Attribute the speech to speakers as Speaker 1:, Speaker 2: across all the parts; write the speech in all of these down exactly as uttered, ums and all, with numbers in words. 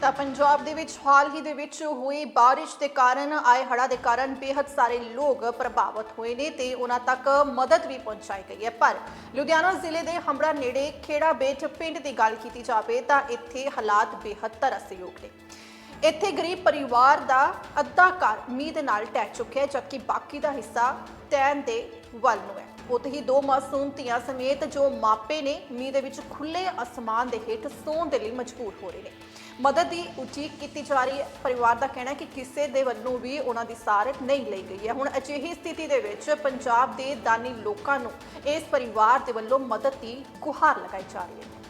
Speaker 1: ਤਾਂ ਪੰਜਾਬ ਦੇ ਵਿੱਚ ਹਾਲ ਹੀ ਦੇ ਵਿੱਚ ਹੋਈ ਬਾਰਿਸ਼ ਦੇ ਕਾਰਨ ਆਏ ਹੜ੍ਹਾਂ ਦੇ ਕਾਰਨ ਬੇहद ਸਾਰੇ ਲੋਕ ਪ੍ਰਭਾਵਿਤ ਹੋਏ ਨੇ ਤੇ ਉਹਨਾਂ ਤੱਕ ਮਦਦ ਵੀ ਪਹੁੰਚਾਈ ਗਈ ਹੈ। ਪਰ ਲੁਧਿਆਣਾ ਜ਼ਿਲ੍ਹੇ ਦੇ ਹੰਬੜਾ ਨੇੜੇ ਖੇੜਾ ਬੇਟ ਪਿੰਡ ਦੀ ਗੱਲ ਕੀਤੀ ਜਾਵੇ ਤਾਂ ਇੱਥੇ ਹਾਲਾਤ ਬੇहद ਤਰਸਯੋਗ ਨੇ। ਇੱਥੇ ਗਰੀਬ ਪਰਿਵਾਰ ਦਾ ਅੱਧਾ ਘਰ ਮੀਂਹ ਦੇ ਨਾਲ ਢਹਿ ਚੁੱਕਿਆ ਹੈ, ਜਦਕਿ ਬਾਕੀ ਦਾ ਹਿੱਸਾ ਤੈਨ ਦੇ ਵੱਲ ਨੂੰ ਹੈ। ਉੱਥੇ ਹੀ ਦੋ ਮਾਸੂਮ ਧੀਆਂ ਸਮੇਤ ਜੋ ਮਾਪੇ ਨੇ ਮੀਂਹ ਦੇ ਵਿੱਚ ਖੁੱਲੇ ਅਸਮਾਨ ਦੇ ਹੇਠ ਸੌਣ ਦੇ ਲਈ ਮਜਬੂਰ ਹੋ ਰਹੇ ਨੇ। ਮਦਦ ਦੀ ਉਡੀਕ ਕੀਤੀ ਜਾ ਰਹੀ ਹੈ। ਪਰਿਵਾਰ ਦਾ ਕਹਿਣਾ ਹੈ ਕਿ ਕਿਸੇ ਦੇ ਵੱਲੋਂ ਵੀ ਉਹਨਾਂ ਦੀ ਸਾਰ ਨਹੀਂ ਲਈ ਗਈ ਹੈ। ਹੁਣ ਅਜਿਹੀ ਸਥਿਤੀ ਦੇ ਵਿੱਚ ਪੰਜਾਬ ਦੇ ਦਾਨੀ ਲੋਕਾਂ ਨੂੰ ਇਸ ਪਰਿਵਾਰ ਦੇ ਵੱਲੋਂ ਮਦਦ ਦੀ ਗੁਹਾਰ ਲਗਾਈ ਜਾ ਰਹੀ ਹੈ।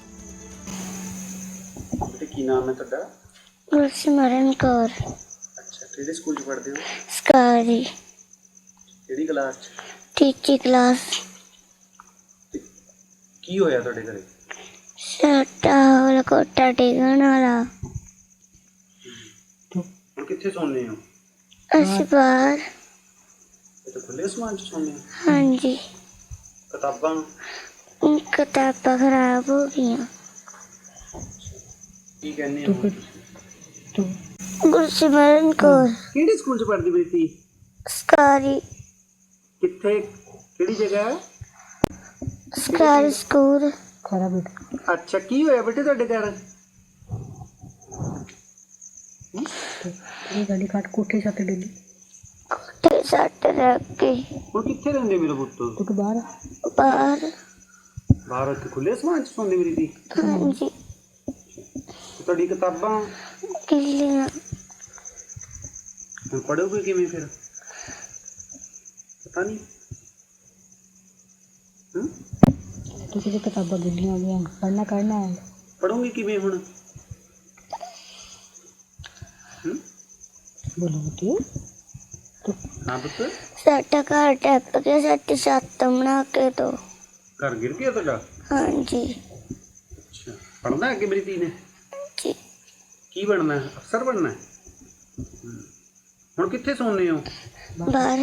Speaker 2: ਬੇਟੇ ਕੀ ਨਾਮ ਹੈ ਤੁਹਾਡਾ?
Speaker 3: ਗੁਰਸਿਮਰਨ ਕੌਰ।
Speaker 2: ਅੱਛਾ, ਕਿਹੜੇ ਸਕੂਲ 'ਚ ਪੜ੍ਹਦੇ ਹੋ?
Speaker 3: ਸਕਾਰੀ
Speaker 2: ਕਿਹੜੀ ਕਲਾਸ 'ਚ?
Speaker 3: ਤੀਜੀ ਕਲਾਸ।
Speaker 2: ਤੇ ਕੀ ਹੋਇਆ ਤੁਹਾਡੇ ਘਰੇ?
Speaker 3: ਸਾਡਾ ਵਾਲਾ ਕੋਟਾ ਡਿੱਗਣ ਵਾਲਾ।
Speaker 2: ਹੁਣ ਕਿੱਥੇ ਸੌਂਦੇ ਹੋ?
Speaker 3: ਅਸੀਂ ਬਾਹਰ।
Speaker 2: ਇੱਥੇ ਖੁੱਲੇ ਅਸਮਾਨ 'ਚ ਸੌਂਦੇ ਹੋ?
Speaker 3: ਹਾਂਜੀ,
Speaker 2: ਕਿਤਾਬਾਂ?
Speaker 3: ਕਿਤਾਬਾਂ ਖਰਾਬ ਹੋ ਗਈਆਂ।
Speaker 2: ਕੀ ਕਹਿੰਦੇ ਹੋ?
Speaker 3: ਗੁਰਸਿਮਰਨ ਕੌਰ।
Speaker 2: ਕਿਹੜੇ ਸਕੂਲ 'ਚ ਪੜ੍ਹਦੀ ਬੇਟੀ?
Speaker 3: ਸਕਾਰੀ।
Speaker 2: ਕਿੱਥੇ, ਕਿਹੜੀ ਜਗ੍ਹਾ?
Speaker 3: ਸਕਾਰੀ ਸਕੂਲ।
Speaker 2: ਅੱਛਾ, ਕੀ ਹੋਇਆ ਬੇਟੇ ਤੁਹਾਡੇ ਘਰ?
Speaker 4: ਇਹ ਗਾੜੀ ਕੱਟ ਕੋਠੇ ਛੱਤ ਡਿੱਗੀ।
Speaker 3: ਕੋਠੇ ਸੱਟ ਲੱਗ ਗਈ।
Speaker 2: ਹੁਣ ਕਿੱਥੇ ਰਹਿੰਦੇ ਮੇਰੇ ਪੁੱਤ?
Speaker 4: ਤੂੰ ਬਾਹਰ
Speaker 3: ਬਾਹਰ।
Speaker 2: ਬਾਹਰ ਇੱਥੇ ਖੁੱਲੇ ਅਸਮਾਨ 'ਚ ਸੌਂਦੇ ਮੇਰੀ ਧੀ?
Speaker 3: ਹਾਂਜੀ।
Speaker 2: ਤੁਹਾਡੀ ਕਿਤਾਬਾਂ
Speaker 3: ਗਿੱਲੀਆਂ।
Speaker 2: ਹੁਣ ਪੜ੍ਹੋਗੇ ਕਿਵੇਂ ਫਿਰ? ਪਤਾ ਨਹੀਂ। ਹੂੰ,
Speaker 4: ਤੁਸੀਂ ਦੀ ਕਿਤਾਬਾਂ ਗਿੱਲੀਆਂ ਹੋ ਗਈਆਂ, ਪੜ੍ਹਨਾ ਕਰਨਾ ਹੈ।
Speaker 2: ਪੜ੍ਹੋਗੇ ਕਿਵੇਂ ਹੁਣ? ਹੂੰ,
Speaker 4: ਬੋਲੋ ਬੇਟੀ।
Speaker 2: ਹਾਂ ਪੁੱਤ।
Speaker 3: ਸਾਡਾ ਘਰ ਟੱਪ ਕੇ ਸਾਡੀ ਛੱਤ ਬਣਾ ਕੇ ਦੋ।
Speaker 2: ਘਰ ਗਿਰ ਗਿਆ ਤੁਹਾਡਾ?
Speaker 3: ਹਾਂਜੀ
Speaker 2: ਅੱਛਾ, ਪੜ੍ਹਨਾ ਅੱਗੇ ਮੇਰੀ ਧੀ ਨੇ?
Speaker 3: ਜੀ।
Speaker 2: ਕੀ ਬਣਨਾ ਹੈ? ਅਫਸਰ ਬਣਨਾ ਹੈ? ਹੂੰ। ਹੁਣ ਕਿੱਥੇ ਸੌਂਦੇ ਹੋ?
Speaker 3: ਬਾਹਰ।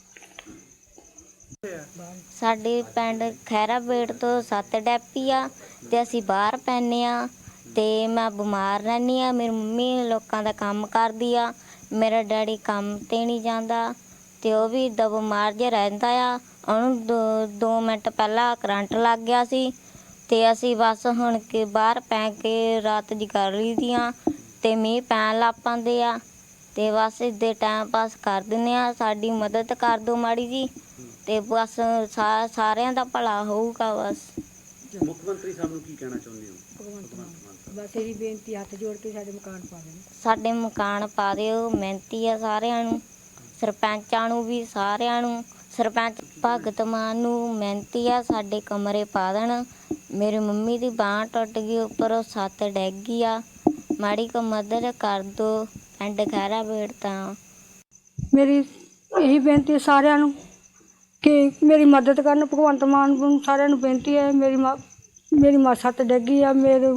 Speaker 5: ਸਾਡੇ ਪਿੰਡ ਖੈਰਾ ਬੇਟ ਤੋਂ ਸੱਤ ਡੈਪੀ ਆ ਤੇ ਅਸੀਂ ਬਾਹਰ ਪੈਂਦੇ ਆ ਤੇ ਮੈਂ ਬਿਮਾਰ ਰਹਿੰਦੀ ਆ। ਮੇਰੀ ਮੰਮੀ ਲੋਕਾਂ ਦਾ ਕੰਮ ਕਰਦੀ ਆ, ਮੇਰਾ ਡੈਡੀ ਕੰਮ ਤੇ ਨਹੀਂ ਜਾਂਦਾ ਤੇ ਉਹ ਵੀ ਏਦਾਂ ਬਿਮਾਰ ਜਿਹਾ ਰਹਿੰਦਾ ਆ। ਉਹਨੂੰ ਦੋ ਦੋ ਮਿੰਟ ਪਹਿਲਾਂ ਕਰੰਟ ਲੱਗ ਗਿਆ ਸੀ ਤੇ ਅਸੀਂ ਬਸ ਹੁਣ ਕੇ ਬਾਹਰ ਪੈ ਕੇ ਰਾਤ ਜਗਾ ਲਈ ਦੀਆਂ ਤੇ ਮੀਂਹ ਪੈਣ ਲੱਗ ਪੈਂਦੇ ਆ ਤੇ ਬਸ ਇੱਦਾਂ ਟਾਈਮ ਪਾਸ ਕਰ ਦਿੰਦੇ ਆ। ਸਾਡੀ ਮਦਦ ਕਰ ਦਿਓ ਮਾੜੀ ਜੀ ਤੇ ਬਸ ਸਾ ਸਾਰਿਆਂ ਦਾ ਭਲਾ ਹੋਊਗਾ। ਬਸ
Speaker 2: ਮੁੱਖ ਮੰਤਰੀ ਸਾਹਿਬ ਨੂੰ ਕੀ ਕਹਿਣਾ ਚਾਹੁੰਦੇ ਹੋ?
Speaker 4: ਬਸ ਇਹੀ ਬੇਨਤੀ, ਹੱਥ ਜੋੜ ਕੇ ਸਾਡੇ ਮਕਾਨ ਪਾ ਦੇਣ।
Speaker 5: ਸਾਡੇ ਮਕਾਨ ਪਾ ਦਿਓ, ਮਿਹਨਤੀ ਆ ਸਾਰਿਆਂ ਨੂੰ, ਸਰਪੰਚਾਂ ਨੂੰ ਵੀ ਸਾਰਿਆਂ ਨੂੰ। ਸਰਪੰਚ ਭਗਤ ਮਾਨ ਨੂੰ ਮਿਹਨਤੀ ਆ, ਸਾਡੇ ਕਮਰੇ ਪਾ ਦੇਣ। ਮੇਰੀ ਮੰਮੀ ਦੀ ਬਾਂਹ ਟੁੱਟ ਗਈ, ਉੱਪਰੋਂ ਛੱਤ ਡਿੱਗ ਗਈ ਆ, ਮਾੜੀ ਕੁ ਮਦਦ ਕਰ ਦਿਓ। ਪਿੰਡ ਖੈਰਾ ਬੇਟ ਤਾਂ
Speaker 4: ਮੇਰੀ ਇਹੀ ਬੇਨਤੀ ਸਾਰਿਆਂ ਨੂੰ ਕਿ ਮੇਰੀ ਮਦਦ ਕਰਨ। ਭਗਵੰਤ ਮਾਨ ਨੂੰ ਸਾਰਿਆਂ ਨੂੰ ਬੇਨਤੀ ਹੈ। ਮੇਰੀ ਮਾਂ ਮੇਰੀ ਮਾਂ ਸੱਟ ਡਿੱਗੀ ਆ, ਮੇਰੇ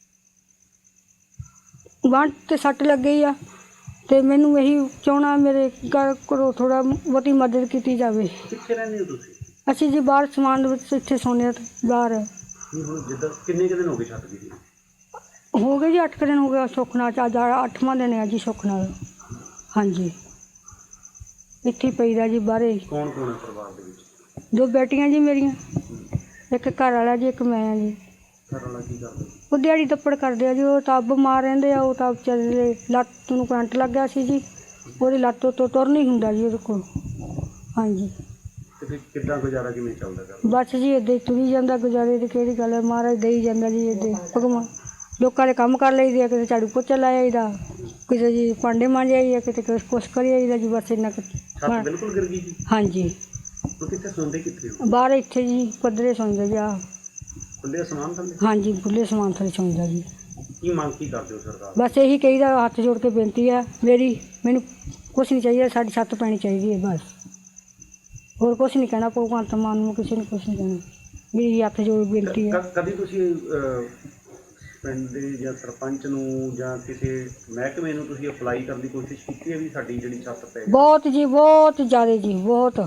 Speaker 4: ਬਾਂਹ 'ਤੇ ਸੱਟ ਲੱਗ ਗਈ ਆ ਅਤੇ ਮੈਨੂੰ ਇਹੀ ਚਾਹੁੰਦਾ ਮੇਰੇ ਘਰ ਕੋਲੋਂ ਥੋੜ੍ਹਾ ਬਹੁਤੀ ਮਦਦ ਕੀਤੀ ਜਾਵੇ।
Speaker 2: ਕਿੱਥੇ ਰਹਿੰਦੇ ਹੋ ਤੁਸੀਂ?
Speaker 4: ਅਸੀਂ ਜੀ ਬਾਹਰ ਸਮਾਨ ਦੇ ਵਿੱਚ ਇੱਥੇ ਸੌਂਦੇ ਹਾਂ ਬਾਹਰ।
Speaker 2: ਨਹੀਂ, ਹੁਣ ਜਿੱਦਾਂ ਕਿੰਨੇ ਕੁ ਦਿਨ ਹੋ ਗਏ ਛੱਤ ਦੀ?
Speaker 4: ਹੋ ਗਏ ਜੀ ਅੱਠ ਕੁ ਦਿਨ ਹੋ ਗਿਆ। ਸੁੱਖ ਨਾਲ ਅੱਜ ਅੱਠਵਾਂ ਦਿਨ ਹੈ ਜੀ ਸੁੱਖ ਨਾਲ। ਹਾਂਜੀ, ਇੱਥੇ ਪਈਦਾ ਜੀ ਬਾਹਰੇ।
Speaker 2: ਕੌਣ ਕੌਣ ਹੈ ਪਰਿਵਾਰ ਦੇ ਵਿੱਚ?
Speaker 4: ਦੋ ਬੇਟੀਆਂ ਜੀ ਮੇਰੀਆਂ, ਇੱਕ ਘਰ ਵਾਲਾ ਜੀ, ਇੱਕ ਮੈਂ ਆ ਜੀ।
Speaker 2: ਘਰ ਵਾਲਾ ਕੀ ਕਰਦਾ?
Speaker 4: ਉਹ ਦਿਹਾੜੀ ਦੱਪੜ ਕਰਦੇ ਆ ਜੀ। ਉਹ ਤਾਂ ਬਿਮਾਰ ਰਹਿੰਦੇ ਆ। ਉਹ ਤਾਂ ਵਿਚਾਰੇ ਲੱਤ ਨੂੰ ਕਰੰਟ ਲੱਗ ਗਿਆ ਸੀ ਜੀ, ਉਹਦੀ ਲੱਤ ਤੋਂ ਤੁਰ ਨਹੀਂ ਹੁੰਦਾ ਜੀ ਉਹਦੇ ਕੋਲ। ਹਾਂਜੀ,
Speaker 2: ਤੇ ਫਿਰ ਕਿੱਦਾਂ ਗੁਜ਼ਾਰਾ ਕਿਵੇਂ ਚੱਲਦਾ ਘਰ?
Speaker 4: ਬਸ ਜੀ ਇੱਦਾਂ ਹੀ ਤੁਰੀ ਜਾਂਦਾ ਗੁਜ਼ਾਰੇ ਦੀ ਕਿਹੜੀ ਗੱਲ ਹੈ। ਮਹਾਰਾਜ ਦੇਈ ਜਾਂਦਾ ਜੀ। ਇੱਦਾਂ ਭਗਵਾਨ ਲੋਕਾਂ ਦੇ ਕੰਮ ਕਰ ਲਈਦੇ ਆ, ਕਿਤੇ ਝਾੜੂ ਪੋਚਾ ਲਾਇਆ ਜਾਈਦਾ, ਕਿਤੇ ਜੀ ਭਾਂਡੇ ਮਾਂਜੇ ਜਾਈਦਾ, ਕਿਤੇ ਕੁਛ ਕਰੀ ਜਾਈਦਾ ਜੀ। ਬਸ ਇੰਨਾ ਕੁ।
Speaker 2: ਛੱਤ ਬਿਲਕੁਲ ਗਿਰ ਗਈ ਜੀ?
Speaker 4: ਹਾਂਜੀ,
Speaker 2: ਉਹ ਕਿੱਥੇ ਸੌਂਦੇ ਕਿੱਥੇ ਹੋ?
Speaker 4: ਬਾਹਰ ਇੱਥੇ ਜੀ ਪੱਧਰੇ ਸੌਂਦਾ ਜੀ। ਆਹ
Speaker 2: ਖੁੱਲੇ ਅਸਮਾਨ ਥੱਲੇ?
Speaker 4: ਹਾਂਜੀ, ਖੁੱਲ੍ਹੇ ਸਮਾਨ ਥੱਲੇ ਸੌਂਦਾ ਜੀ।
Speaker 2: ਕੀ ਮੰਗ ਕੀ ਕਰਦੇ ਹੋ ਸਰਕਾਰ?
Speaker 4: ਬਸ ਇਹੀ ਕਹੀਦਾ, ਹੱਥ ਜੋੜ ਕੇ ਬੇਨਤੀ ਆ ਮੇਰੀ, ਮੈਨੂੰ ਕੁਛ ਨਹੀਂ ਚਾਹੀਦਾ, ਸਾਡੀ ਛੱਤ ਪੈਣੀ ਚਾਹੀਦੀ ਹੈ ਬਸ। ਹੋਰ ਕੁਛ ਨਹੀਂ ਕਹਿਣਾ ਭਗਵੰਤ ਮਾਨ ਨੂੰ, ਕਿਸੇ ਨੂੰ ਕੁਛ ਨਹੀਂ ਕਹਿਣਾ। ਮੇਰੀ ਹੱਥ ਜੋੜ ਬੇਨਤੀ ਹੈ।
Speaker 2: ਕਦੀ ਤੁਸੀਂ ਪਿੰਡ ਦੇ ਜਾਂ ਸਰਪੰਚ ਨੂੰ ਜਾਂ ਕਿਸੇ ਮਹਿਕਮੇ ਨੂੰ ਤੁਸੀਂ ਅਪਲਾਈ ਕਰਨ ਦੀ ਕੋਸ਼ਿਸ਼ ਕੀਤੀ ਹੈ ਵੀ ਸਾਡੀ ਜਿਹੜੀ ਛੱਤ ਪੈ?
Speaker 4: ਬਹੁਤ ਜੀ, ਬਹੁਤ ਜ਼ਿਆਦਾ ਜੀ, ਬਹੁਤ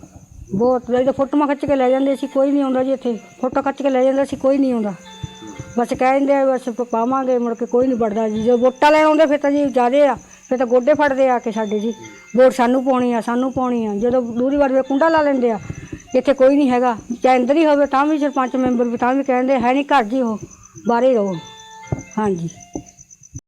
Speaker 4: ਬਹੁਤ। ਜਦੋਂ ਫੋਟੋਆਂ ਖਿੱਚ ਕੇ ਲੈ ਜਾਂਦੇ ਸੀ, ਕੋਈ ਨਹੀਂ ਆਉਂਦਾ ਜੀ ਇੱਥੇ। ਫੋਟੋ ਖਿੱਚ ਕੇ ਲੈ ਜਾਂਦੇ ਸੀ, ਕੋਈ ਨਹੀਂ ਆਉਂਦਾ। ਬਸ ਕਹਿੰਦੇ ਆ ਬਸ ਪਾਵਾਂਗੇ, ਮੁੜ ਕੇ ਕੋਈ ਨਹੀਂ ਵੜਦਾ ਜੀ। ਜਦੋਂ ਵੋਟਾਂ ਲੈਣ ਆਉਂਦੇ ਫਿਰ ਤਾਂ ਜੀ ਜ਼ਿਆਦੇ ਆ, ਫਿਰ ਤਾਂ ਗੋਡੇ ਫੜਦੇ ਆ ਕੇ ਸਾਡੇ ਜੀ, ਵੋਟ ਸਾਨੂੰ ਪਾਉਣੀ ਆ, ਸਾਨੂੰ ਪਾਉਣੀ ਆ। ਜਦੋਂ ਦੂਰੀ ਵਾਰ ਕੁੰਡਾ ਲਾ ਲੈਂਦੇ ਆ, ਇੱਥੇ ਕੋਈ ਨਹੀਂ ਹੈਗਾ, ਚਾਹੇ ਅੰਦਰ ਹੀ ਹੋਵੇ ਤਾਂ ਵੀ ਸਰਪੰਚ ਮੈਂਬਰ ਵੀ ਤਾਂ ਵੀ ਕਹਿੰਦੇ ਹੈ ਨਹੀਂ ਘਰ ਜੀ, ਉਹ ਬਾਹਰ ਹੀ ਰਹੋ। ਹਾਂਜੀ।